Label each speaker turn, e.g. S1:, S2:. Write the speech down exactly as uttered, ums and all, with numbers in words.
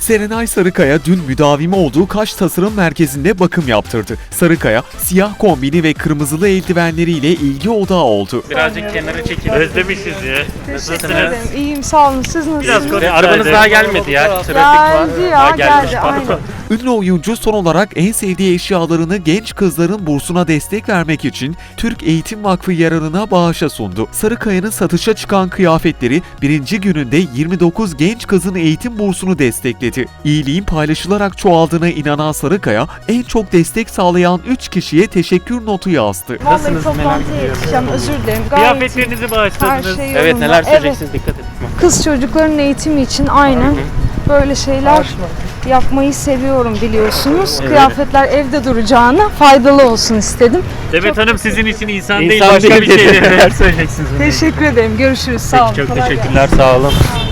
S1: Serenay Sarıkaya dün müdavimi olduğu Kaş Tasarım Merkezi'nde bakım yaptırdı. Sarıkaya, siyah kombini ve kırmızılı eldivenleriyle ilgi odağı oldu.
S2: Birazcık kenara çekilin. Özlemişiz ya.
S3: Teşekkür ederim. İyiyim, sağ olun. Siz nasılsınız?
S2: Biraz konuşalım. Arabanız daha gelmedi ya. Trafik
S3: Geldi
S2: var.
S3: ya,
S2: Ha, gelmiş,
S3: geldi.
S2: pardon.
S3: Aynen.
S1: Ünlü oyuncu son olarak en sevdiği eşyalarını genç kızların bursuna destek vermek için Türk Eğitim Vakfı yararına bağışa sundu. Sarıkaya'nın satışa çıkan kıyafetleri birinci gününde yirmi dokuz genç kızın eğitim bursunu destekledi. İyiliğin paylaşılarak çoğaldığına inanan Sarıkaya, en çok destek sağlayan üç kişiye teşekkür notu yazdı.
S3: Vallahi
S2: Nasılsınız, merak
S3: toplantıya
S2: ediyorum.
S3: yetişeceğim, özür dilerim. Gayet iyi.
S2: Kıyafetlerinizi bağışladınız.
S3: Her şey
S2: Evet,
S3: yolunda.
S2: neler söyleyeceksiniz, dikkat edin.
S3: Kız çocukların eğitimi için aynen böyle şeyler yapmayı seviyorum biliyorsunuz.
S2: Evet.
S3: Kıyafetler evde duracağına faydalı olsun istedim.
S2: Demet Hanım sizin için insan, değil
S4: İnsan
S2: başka
S4: değil
S2: bir şey.
S4: dedi.
S2: Neler söyleyeceksiniz?
S3: Teşekkür ederim. Görüşürüz. Sağ olun.
S2: Çok
S3: Kolay gelsin.
S2: teşekkürler, sağ olun.